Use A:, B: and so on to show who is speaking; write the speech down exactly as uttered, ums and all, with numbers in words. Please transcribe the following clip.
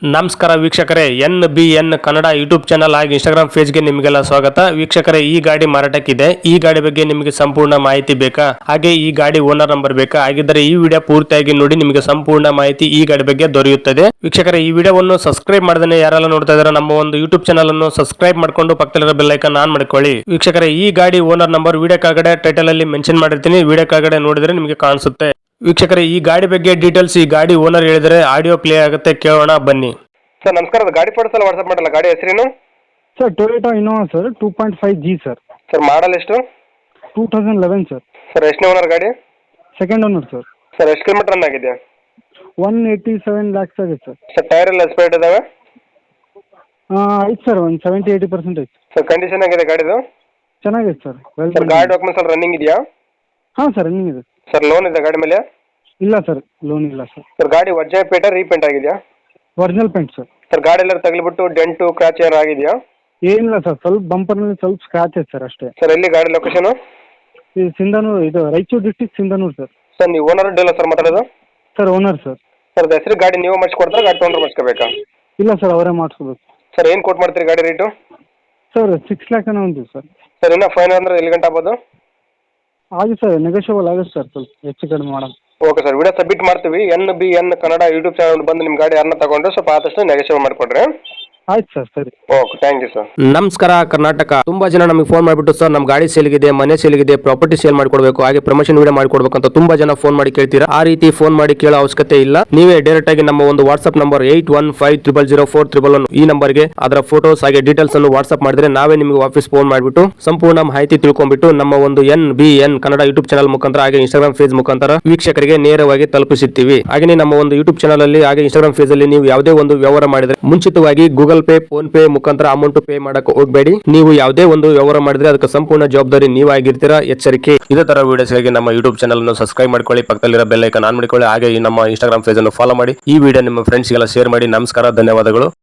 A: ನಮಸ್ಕಾರ ವೀಕ್ಷಕರೇ, N B N Kannada YouTube channel ಹಾಗೂ ಇನ್ಸ್ಟಾಗ್ರಾಮ್ ಪೇಜ್ಗೆ ನಿಮಗೆಲ್ಲ ಸ್ವಾಗತ. ವೀಕ್ಷಕರೇ, ಈ ಗಾಡಿ ಮಾರಾಟಕ್ಕಿದೆ. ಈ ಗಾಡಿ ಬಗ್ಗೆ ನಿಮಗೆ ಸಂಪೂರ್ಣ ಮಾಹಿತಿ ಬೇಕಾ, ಹಾಗೆ ಈ ಗಾಡಿ ಓನರ್ ನಂಬರ್ ಬೇಕಾ? ಹಾಗಿದ್ದರೆ ಈ ವಿಡಿಯೋ ಪೂರ್ತಿಯಾಗಿ ನೋಡಿ, ನಿಮಗೆ ಸಂಪೂರ್ಣ ಮಾಹಿತಿ ಈ ಗಾಡಿ ಬಗ್ಗೆ ದೊರೆಯುತ್ತದೆ. ವೀಕ್ಷಕರೇ, ಈ ವಿಡಿಯೋವನ್ನು ಸಬ್ಸ್ಕ್ರೈಬ್ ಮಾಡದೇ ಯಾರೆಲ್ಲ ನೋಡ್ತಾ ಇದ್ದಾರೆ, ನಮ್ಮ ಒಂದು ಯೂಟ್ಯೂಬ್ ಚಾನಲ್ ಅನ್ನು ಸಬ್ಸ್ಕ್ರೈಬ್ ಮಾಡ್ಕೊಂಡು ಪಕ್ಕದಲ್ಲಿರೋ ಬೆಲ್ ಐಕಾನ್ ಆನ್ ಮಾಡ್ಕೊಳ್ಳಿ. ವೀಕ್ಷಕರೇ, ಈ ಗಾಡಿ ಓನರ್ ನಂಬರ್ ವಿಡಿಯೋ ಕೆಳಗಡೆ ಟೈಟಲ್ ಅಲ್ಲಿ ಮೆನ್ಷನ್ ಮಾಡಿರ್ತೀನಿ, ವಿಡಿಯೋ ಕೆಳಗಡೆ ನೋಡಿದ್ರೆ ನಿಮಗೆ ಕಾಣಿಸುತ್ತೆ. ವೀಕ್ಷಕರೇ, ಈ ಗಾಡಿ ಬಗ್ಗೆ ಡೀಟೇಲ್ಸ್ ಈ ಗಾಡಿ ಓನರ್ ಹೇಳಿದರೆ ಆಡಿಯೋ ಪ್ಲೇ ಆಗುತ್ತೆ, ಕೇಳೋಣ ಬನ್ನಿ.
B: ಸರ್ ನಮಸ್ಕಾರ, ಅದು ಗಾಡಿ ಫೋಟೋಸ್ ಎಲ್ಲ ವಾಟ್ಸಪ್ ಮಾಡಲ್ಲ. ಗಾಡಿ ಹೆಸರೇನು?
C: Sir Toyota Innova sir, two point five G sir.
B: Sir model ಎಷ್ಟು?
C: Two thousand eleven sir.
B: Sir ಎಷ್ಟನೇ ಓನರ್ ಗಾಡಿ?
C: Second owner sir.
B: ಸರ್ ಎಷ್ಟು ಕಿಲೋಮೀಟರ್ ರನ್ ಆಗಿದೆ?
C: ಒನ್ ಏಯ್ಟಿ ಸೆವೆನ್ ಲ್ಯಾಕ್ಸ್ ಆಗಿದೆ ಸರ್.
B: ಸರ್ ಟೈರ್ ಎಲ್ಲ ಎಸ್ಪೈಟ್ ಇದಾವೆ?
C: ಐತೆ ಸರ್, ಒಂದು ಸೆವೆಂಟಿ ಏಯ್ಟಿ ಪರ್ಸೆಂಟ್ ಐತೆ.
B: ಸರ್ ಕಂಡೀಷನ್ ಆಗಿದೆ ಗಾಡಿದು?
C: ಚೆನ್ನಾಗಿದೆ ಸರ್. ವೆಲ್
B: ಸರ್ ಗಾಡಿ ಡಾಕ್ಯುಮೆಂಟ್ಸ್ ಎಲ್ಲ ರನ್ನಿಂಗ್ ಇದೆಯಾ?
C: ಹಾಂ ಸರ್, ರನ್ನಿಂಗ್ ಇದೆ.
B: ಸರ್ ಲೋನ್ ಇದೆ ಗಾಡಿ ಮೇಲೆ?
C: ಇಲ್ಲ ಸರ್, ಲೋನ್ ಇಲ್ಲ ಸರ್.
B: ಸರ್ ಗಾಡಿ ವಜ್ಜೆ ಪೇಟ ರೀಪೇಂಟ್ ಆಗಿದೆಯಾ?
C: Original paint sir.
B: ಸರ್ ಗಾಡಿ ಎಲ್ಲ ತಗಲಿಬಿಟ್ಟು ಡೆಂಟು ಕ್ರಾಚ್ ಏನಾರು ಆಗಿದೆಯಾ?
C: ಏನಿಲ್ಲ ಸರ್, ಸ್ವಲ್ಪ ಬಂಪರ್ನಲ್ಲಿ ಸ್ವಲ್ಪ ಸ್ಕ್ರಾಚ್ ಐತೆ ಸರ್ ಅಷ್ಟೇ.
B: ಸರ್ ಎಲ್ಲಿ ಗಾಡಿ ಲೊಕೇಶನು?
C: ಇದು ಸಿಂಧನೂರು, ಇದು Raichur district Sindhanur sir.
B: Sir ನೀವು ಓನರ್ ಡೀಲರ್ ಸರ್ ಮಾತಾಡೋದು?
C: Sir owner sir.
B: ಸರ್ ಅದು ಹೆಸರು ಗಾಡಿ ನೀವು ಮಾಡಿಸ್ಕೊಡ್ತಾರೆ, ಗಾಡಿ ತೊಗೊಂಡ್ರೆ ಮಾಡಿಸ್ಕೋಬೇಕಾ?
C: ಇಲ್ಲ ಸರ್, ಅವರೇ ಮಾಡಿಸ್ಕೋಬೇಕು.
B: ಸರ್ ಏನು ಕೊಟ್ಟು ಮಾಡ್ತೀರಿ ಗಾಡಿ ರೇಟು?
C: ಸರ್ ಸಿಕ್ಸ್ ಲ್ಯಾಕ್ ಏನೋ ಒಂದು ಸರ್.
B: ಸರ್ ಇನ್ನೂ ಫೈನ್ ಅಂದ್ರೆ ಎಲ್ಲಿ ಗಂಟೆ ಆಗ್ಬೋದು?
C: ಆಗುತ್ತೆ ಸರ್, ನೆಗೋಷಿಯಬಲ್ ಆಗುತ್ತೆ ಸರ್, ಸ್ವಲ್ಪ ಹೆಚ್ಚು ಕಡಿಮೆ ಮಾಡೋಣ.
B: ಓಕೆ ಸರ್, ವಿಡಿಯೋ ಸಬ್ಮಿಟ್ ಮಾಡ್ತೀವಿ. N B N Kannada YouTube channel ಬಂದು ನಿಮ್ಮ ಗಾಡಿ ಯಾರನ್ನ ತಗೊಂಡ್ರೆ ಸ್ವಲ್ಪ ಆದಷ್ಟು ನೆಗೋಷಿಯೇಟ್ ಮಾಡಿಕೊಡ್ರಿ.
C: ಆಯ್ತು ಸರ್, ಸರಿ.
B: Okay, thank you sir.
A: ನಮಸ್ಕಾರ ಕರ್ನಾಟಕ. ತುಂಬಾ ಜನ ನಮಗೆ ಫೋನ್ ಮಾಡಿಬಿಟ್ಟು ಸರ್ ನಮ್ಮ ಗಾಡಿ ಸೇಲ್ಗಿದೆ, ಮನೆ ಸೇಲ್ಗಿದೆ, ಪ್ರಾಪರ್ಟಿ ಸೇಲ್ ಮಾಡ್ಕೊಡ್ಬೇಕು, ಹಾಗೆ ಪ್ರಮೋಷನ್ ವಿಡಿಯೋ ಮಾಡ್ಕೊಡ್ಬೇಕು ಅಂತ ತುಂಬಾ ಜನ ಫೋನ್ ಮಾಡಿ ಕೇಳ್ತೀರಾ. ಆ ರೀತಿ ಫೋನ್ ಮಾಡಿ ಕೇಳೋ ಅವಶ್ಯಕತೆ ಇಲ್ಲ. ನೀವೇ ಡೈರೆಕ್ಟ್ ಆಗಿ ನಮ್ಮ ಒಂದು WhatsApp number eight one five triple zero four triple one ಈ ನಂಬರ್ಗೆ ಅದರ ಫೋಟೋಸ್ ಹಾಗೆ ಡೀಟೇಲ್ಸ್ ಅನ್ನು ವಾಟ್ಸ್ಆಪ್ ಮಾಡಿದ್ರೆ ನಾವೇ ನಿಮಗೆ ವಾಪಸ್ ಫೋನ್ ಮಾಡಿಬಿಟ್ಟು ಸಂಪೂರ್ಣ ಮಾಹಿತಿ ತಿಳ್ಕೊಂಡ್ಬಿಟ್ಟು ನಮ್ಮ ಒಂದು N B N Kannada YouTube channel ಮುಖಾಂತರ ಹಾಗೆ ಇನ್ಸ್ಟಾಗ್ರಾಮ್ ಪೇಜ್ ಮುಖಾಂತರ ವೀಕ್ಷಕರಿಗೆ ನೇರವಾಗಿ ತಲುಪಿಸುತ್ತೀವಿ. ಹಾಗೆ ನಮ್ಮ ಒಂದು ಯೂಟ್ಯೂಬ್ ಚಾನಲ್ ಅಲ್ಲಿ ಹಾಗೆ ಇನ್ಸ್ಟಾಗ್ರಾಮ್ ಪೇಜ್ ಅಲ್ಲಿ ನೀವು ಯಾವುದೇ ಒಂದು ವ್ಯವಹಾರ ಮಾಡಿದ್ರೆ ಮುಂಚಿತವಾಗಿ ಗೂಗಲ್ ಪೇ, ಫೋನ್ ಪೇ ಮುಖಾಂತರ ಅಮೌಂಟ್ ಪೇ ಮಾಡಕ್ಕೆ ಹೋಗಬೇಡಿ. ನೀವು ಯಾವುದೇ ಒಂದು ವ್ಯವಹಾರ ಮಾಡಿದ್ರೆ ಅದಕ್ಕೆ ಸಂಪೂರ್ಣ ಜವಾಬ್ದಾರಿ ನೀವಾಗಿರ್ತೀರಾ, ಎಚ್ಚರಿಕೆ. ಇದೇ ತರ ವಿಡಿಯೋಸ್ಗಾಗಿ ನಮ್ಮ ಯೂಟ್ಯೂಬ್ ಚಾನಲ್ ಅನ್ನು ಸಬ್ಸ್ಕ್ರೈಬ್ ಮಾಡ್ಕೊಳ್ಳಿ, ಪಕ್ಕದಲ್ಲಿರೋ ಬೆಲ್ ಐಕಾನ್ ಆನ್ ಮಾಡಿಕೊಳ್ಳಿ, ಹಾಗೆ ಈ ನಮ್ಮ ಇನ್ಸ್ಟಾಗ್ರಾಮ್ ಪೇಜ್ ಅನ್ನು ಫಾಲೋ ಮಾಡಿ. ಈ ವಿಡಿಯೋ ನಿಮ್ಮ ಫ್ರೆಂಡ್ಸ್ಗೆಲ್ಲ ಶೇರ್ ಮಾಡಿ. ನಮಸ್ಕಾರ, ಧನ್ಯವಾದಗಳು.